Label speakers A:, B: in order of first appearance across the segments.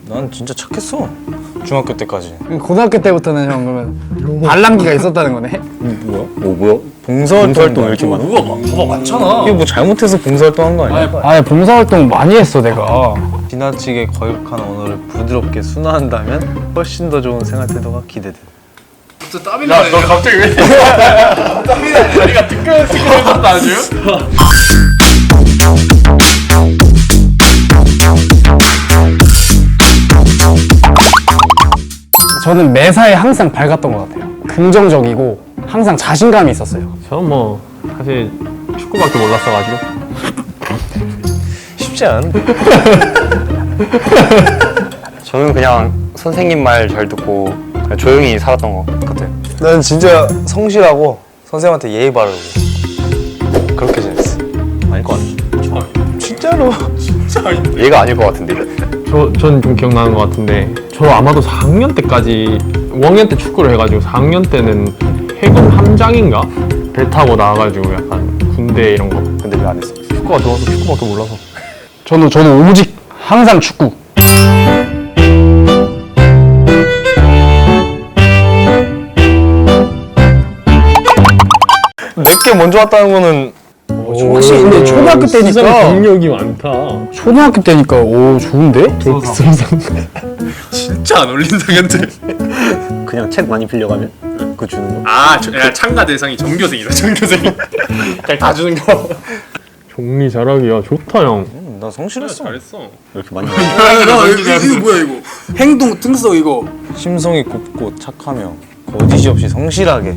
A: 난 진짜 착했어. 중학교 때까지.
B: 고등학교 때부터는 형 그러면 발랑기가 있었다는 거네?
A: 뭐야? 봉사활동 왜 이렇게 많아?
C: 봐봐 많잖아.
A: 이게 뭐 잘못해서 봉사활동 한 거 아니야?
B: 아니 봉사활동 많이 했어 내가.
A: 지나치게 거역한 언어를 부드럽게 순화한다면 훨씬 더 좋은 생활 태도가 기대돼.
C: 진짜 땀이 나네. 너 갑자기 왜? 땀이 나네. 다리가 뜨끈뜨끈해졌다 아주.
B: 저는 매사에 항상 밝았던 것 같아요. 긍정적이고 항상 자신감이 있었어요.
D: 저는 뭐 사실 축구밖에 몰랐어가지고
A: 쉽지 않은데.
E: 저는 그냥 선생님 말 잘 듣고 그냥 조용히 살았던 것 같아요.
A: 난 진짜 성실하고 선생님한테 예의 바르고 그렇게 지냈어. 아닐 것 같아. 진짜로.
E: 얘가 아닐 것 같은데.
D: 저는 좀 기억나는 것 같은데 저 아마도 4학년 때까지 5학년 때 축구를 해가지고 4학년 때는 해군 함장인가? 배 타고 나와가지고 약간 군대 이런 거
E: 근데 왜 안 했어?
D: 축구가 좋아서 축구밖에 몰라서
B: 저는 오직 항상 축구.
A: 내게 먼저 왔다는 거는
B: 확실히 근데 초등학교 때니까
D: 경력이 많다.
B: 초등학교 때니까 오 좋은데?
C: 진짜 안 어울린다 근데.
E: 그냥 책 많이 빌려가면 그거 주는 거?
C: 아, 야, 참가 대상이 전교생이다. 전교생. 그냥 다 주는 거.
D: 정리 잘하기야 좋다 형.
A: 나 성실했어.
C: 잘했어.
E: 왜 이렇게 많이
C: 이거 뭐야 이거? 행동 특성 이거.
A: 심성이 곱고 착하며 거짓이 없이 성실하게.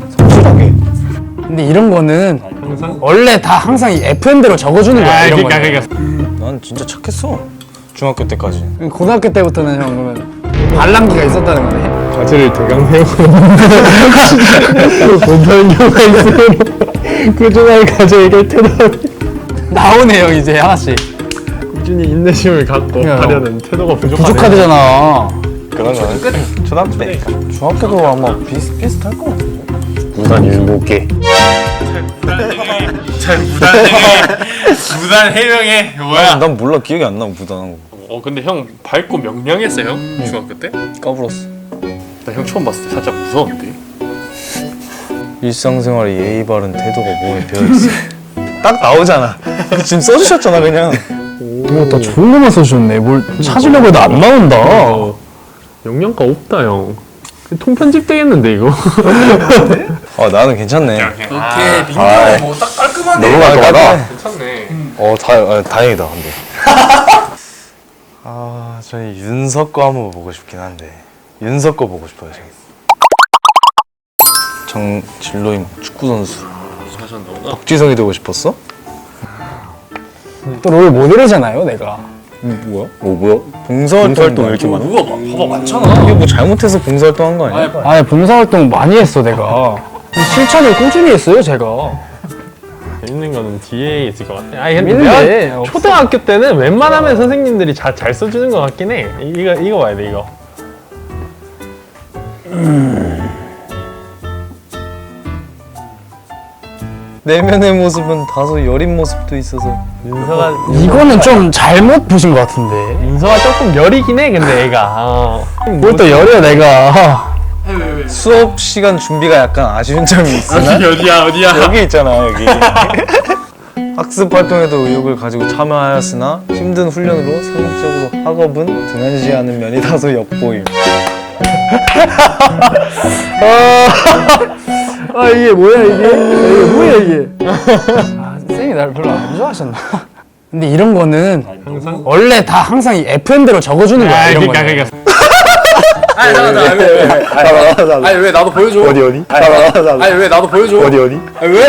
B: 근데 이런 거는 원래 다 항상 이 FM대로 적어주는 거야. 이런 거는.
A: 난 진짜 착했어. 중학교 때까지.
B: 고등학교 때부터는 형 그러면 발랑기가 있었다는 거네.
D: 과제를 대강 세우고 못하는 경우가 있으면 꾸준하게 과제 해결 태도
B: 나오네 형 이제 하나씩.
D: 꾸준히 인내심을 갖고
B: 야,
D: 하려는 태도가
B: 부족하대잖아.
A: 그런 거는 초등학교 때니까. 중학교도 아마 비슷할 것 같아.
E: 무단 율목계.
C: 잘 무단 해명해. 뭐야?
A: 난 몰라. 기억이 안 나. 무단한 거.
C: 근데 형 밝고 명량했어 형 중학교 때?
A: 까불었어.
C: 나 형 처음 봤을 때 살짝 무서웠는데.
A: 일상생활에 예의 바른 태도가 몸에 배어있어. 딱 나오잖아. 지금 써주셨잖아 그냥.
B: 나 좋은 것만 써주셨네. 뭘 찾으려고 해도 안 나온다.
D: 영양가 없다 형. 통편집 되겠는데 이거.
A: 나는 괜찮네.
C: 오케이 민규 뭐딱 깔끔하네.
A: 너무 깔끔하다.
C: 괜찮네.
A: 다행이다 근데. 저희 윤석 거 한번 보고 싶긴 한데. 윤석 거 보고 싶어요 지금. 정진로임 축구 선수.
C: 하셨나보다.
A: 박지성이 되고 싶었어?
B: 또 롤 모델이잖아요 내가.
A: 뭐야?
E: 뭐야?
A: 봉사활동 왜 이렇게 많아?
C: 봐봐 많잖아.
A: 이게 뭐 잘못해서 봉사활동 한 거 아니야?
B: 아니 봉사활동 많이 했어 내가. 실천을 꾸준히 했어요 제가.
D: 재밌는 거는 뒤에 있을 것 같아. 아니 근데
B: 재밌는데,
D: 내가
B: 없어.
D: 초등학교 때는 웬만하면 선생님들이 잘 써주는 것 같긴 해. 이거 봐야 돼 이거.
A: 내면의 모습은 다소 여린 모습도 있어서.
D: 윤서가
B: 이거는 좀 잘못 보신 것 같은데.
D: 윤서가 조금 여리긴 해 근데 애가.
B: 뭘 또 여려 내가.
C: 왜?
A: 수업 시간 준비가 약간 아쉬운 점이 있으나
C: 어디야?
A: 여기 있잖아 여기. 학습 활동에도 의욕을 가지고 참여하였으나 힘든 훈련으로 상대적으로 학업은 등한시하는 면이 다소 엿보임.
B: 이게 뭐야 이게? 이게 뭐야 이게? 선생님이 나를 별로 안 좋아하셨나? 근데 이런 거는 원래 다 항상 이 FM대로 적어주는 거야. 이런 거는.
C: 아니 잠깐 아니 왜 나도 보여줘.
E: 어디?
C: 아니 왜 나도 보여줘.
E: 어디?
C: 아니 왜?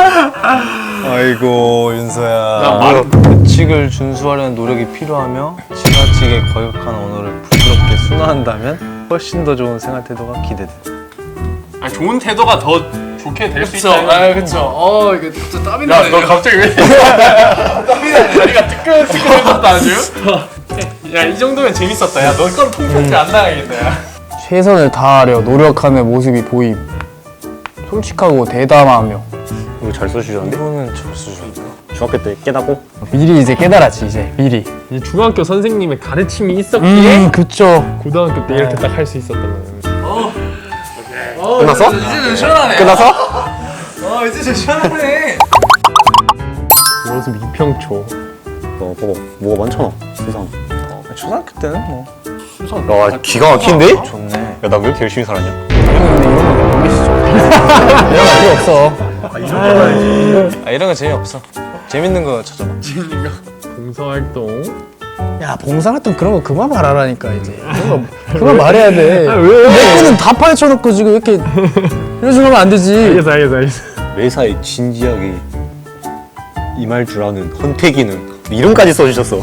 A: 아이고 윤서야.
C: 나 말-
A: 규칙을 준수하려는 노력이 필요하며 지나치게 거역한 언어를 부드럽게 순화한다면 훨씬 더 좋은 생활 태도가 기대돼.
C: 아니 좋은 태도가 더 좋게 될 수 있다. 아 그쵸. 이게 진짜 땀이 나네. 너 갑자기 왜? 땀이 나네. 다리가 뜨끈뜨끈해졌다 아주. 야 이 정도면 재밌었다. 야 너 건 통편지 안 나가겠다. 야.
B: 최선을 다하려 노력하는 모습이 보임. 솔직하고 대담하며.
E: 이거 잘 써주셨는데?
A: 이거는 잘 쓰셨다.
F: 중학교 때 깨닫고
B: 미리 이제 깨달았지 이제 미리.
D: 이제 중학교 선생님의 가르침이 있었기에
B: 그쵸.
D: 고등학교 때 이렇게 딱 할 수 있었던 거예요.
F: 끝났어?
C: 이제는 시원하네.
F: 끝났어?
C: 이제 좀 시원하네.
D: 모습 이평초.
F: 너 보고 뭐가 많잖아 세상.
A: 초등학교 때는 뭐
F: 와 기가 막힌데?
A: 좋네.
F: 야 나 왜 이렇게 열심히 살았냐?
B: 이런 거 필요 없어.
A: 아 이런 거 재미없어. 재밌는 거 찾아봐.
D: 봉사활동.
B: 야 봉사활동 그런 거 그만 말하라니까 이제. 그런 거 그만 말해야 돼. 내 거는 다 파헤쳐놓고 지금 이렇게 이런 식으로 하면 안 되지.
D: 알겠어.
F: 매사에 진지하게 임할 줄 아는 헌태기는 이름까지 써주셨어.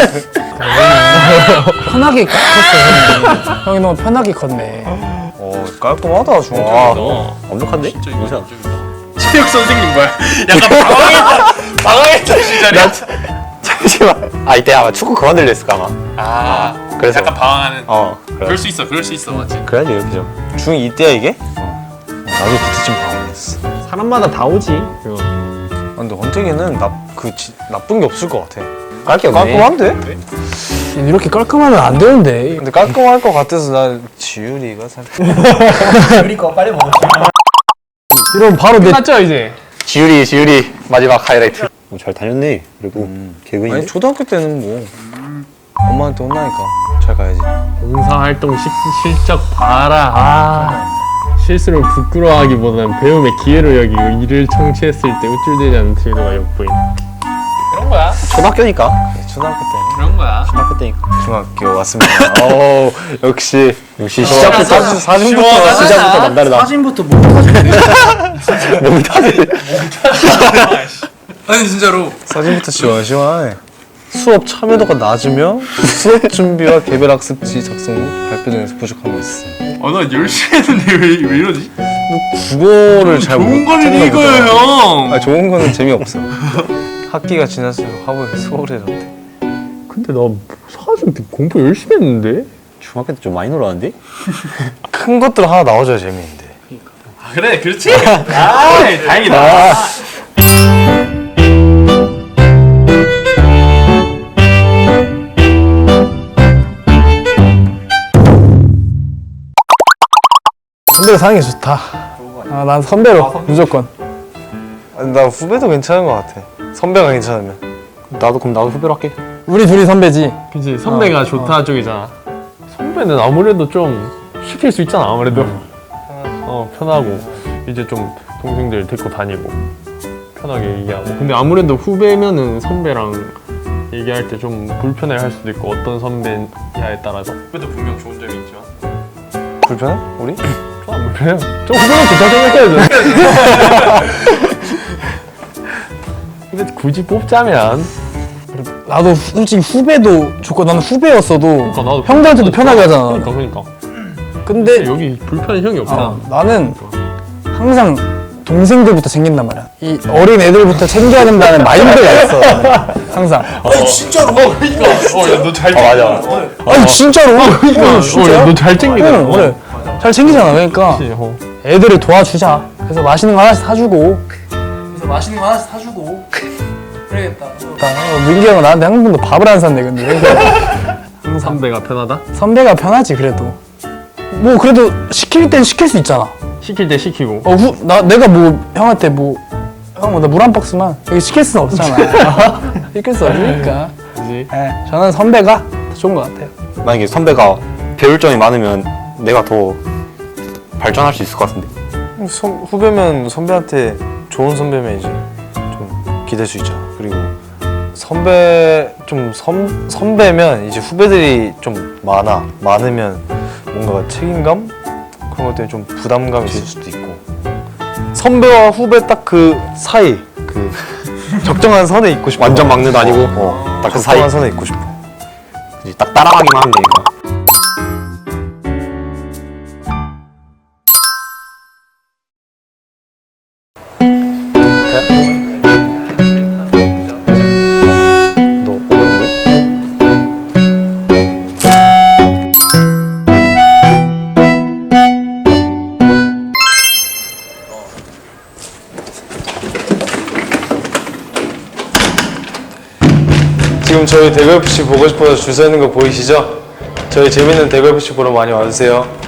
B: 편하게 컸어 형이. 형이 너무 편하게 컸네.
A: 깔끔하다 중학교
F: 와
A: 때도.
F: 완벽한데? 인사.
C: 체육 선생님 뭐야? 약간 방황했던 시절이야.
F: 잠시만. 아 이때 아마 축구 그만둘려 했을까 아마.
C: 아,
F: 그래서
C: 약간 방황하는.
F: 그래.
C: 그럴 수 있어, 맞지?
F: 그래야지 이렇게 좀.
A: 중2 때야 이게? 나도 그때쯤 방황했어.
D: 사람마다 다 오지. 그거.
A: 근데 헌택이는 나쁜 게 없을 것 같아.
F: 깔게 없네.
A: 깔끔한데?
B: 이렇게 깔끔하면 안 되는데.
A: 근데 깔끔할 것 같아서 난 지율이가 살짝.
B: 이러면 바로 내
D: 끝났죠 이제.
F: 지율이 마지막 하이라이트. 잘 다녔네. 그리고 개근이네.
A: 아니 초등학교 때는 뭐 엄마한테 혼나니까 잘 가야지.
D: 봉사활동 실적 봐라. 실수를 부끄러워하기보다는 배움의 기회로 여기고 이를 청취했을 때 우쭐대지 않는 태도가 엿보인.
C: 그런 거야.
F: 초등학교니까.
A: 초등학교 때는
C: 그런 거야.
F: 초등학교 때니까.
A: 중학교 왔습니다.
F: 역시 시작부터
A: 사진부터
F: 시작부터 남다르다.
B: 사진부터 못 타주네.
C: 아니 진짜로.
A: 사진부터 시원시원하네. 수업 참여도가 낮으며 수업 준비와 개별 학습지 작성 후 발표 등에서 부족함이 있어.
C: 나 열심히 했는데 왜 이러지?
A: 국어를 잘
C: 좋은
A: 못
C: 거는
A: 했나
C: 이거예요,
A: 보다.
C: 형.
A: 아 좋은 거는 재미없어. 학기가 지났어요. 화보에 소홀해졌대.
D: 근데 나 사실 공부 열심히 했는데.
F: 중학교 때 좀 많이 놀았는데?
A: 큰 것들 하나 나와줘야 재미있는데.
C: 그래, 그렇지. 다행이다.
B: 선배로 사는 게 좋다. 난 선배로 무조건.
A: 나 후배도 괜찮은 것 같아. 선배가 괜찮으면.
F: 그럼 나도 후배로 할게.
B: 우리 둘이 선배지.
D: 그치 선배가 좋다 쪽이잖아. 선배는 아무래도 좀 시킬 수 있잖아 아무래도. 편하고 이제 좀 동생들 데리고 다니고 편하게 얘기하고. 근데 아무래도 후배면은 선배랑 얘기할 때 좀 불편해 할 수도 있고 어떤 선배냐에 따라서.
C: 그래도 분명 좋은 점이 있지만.
A: 불편해? 우리?
D: 안 불편해요. 좀 후배는 좋다 생각해야죠. 근데 굳이 뽑자면
B: 나도 솔직히 후배도 좋고 나는 후배였어도
D: 그러니까 나도
B: 형들한테도 편하게 하잖아.
D: 그러니까.
B: 근데
D: 여기 불편한 형이 없잖아.
B: 나는 항상 동생들부터 챙긴단 말이야. 이 어린 애들부터 챙겨야 된다는 마인드가 있어. 나는. 항상.
C: 너잘
F: 맞아.
B: 아니 진짜로. 진짜?
D: 너잘 챙기더라.
B: 그래. 잘 챙기잖아. 그러니까 애들을 도와주자. 그래서 맛있는 거 하나씩 사주고. 그래야겠다. 민기 형은 나한테 한 번도 밥을 안 샀네 근데.
D: 선배가 편하다?
B: 선배가 편하지 그래도. 뭐 그래도 시킬 땐 시킬 수 있잖아.
D: 시킬 때 시키고.
B: 내가 뭐 형한테 형 나 물 한 박스만 여기 시킬 수는 없잖아. 시킬 수 없으니까.
D: 그지?
B: 저는 선배가 더 좋은 것 같아요.
F: 만약에 선배가 배울 점이 많으면 내가 더 발전할 수 있을 것 같은데.
A: 후배면 선배한테 좋은 선배면 이제 좀 기댈 수 있잖아. 그리고 선배면 이제 후배들이 좀 많으면 뭔가 책임감 그런 것 때문에 좀 부담감이 있을 수도 있고. 선배와 후배 딱 그 사이 그 적정한 선에 있고 싶어.
F: 완전 막내도 아니고 딱 그 사이.
A: 적정한 선에 있고 싶어.
F: 이제 딱 따라가기만 하면 되니까. 너 오늘
A: 저희 대구 FC 보고 싶어서 줄 서 있는 거 보이시죠? 저희 재밌는 대구 FC 보러 많이 와주세요.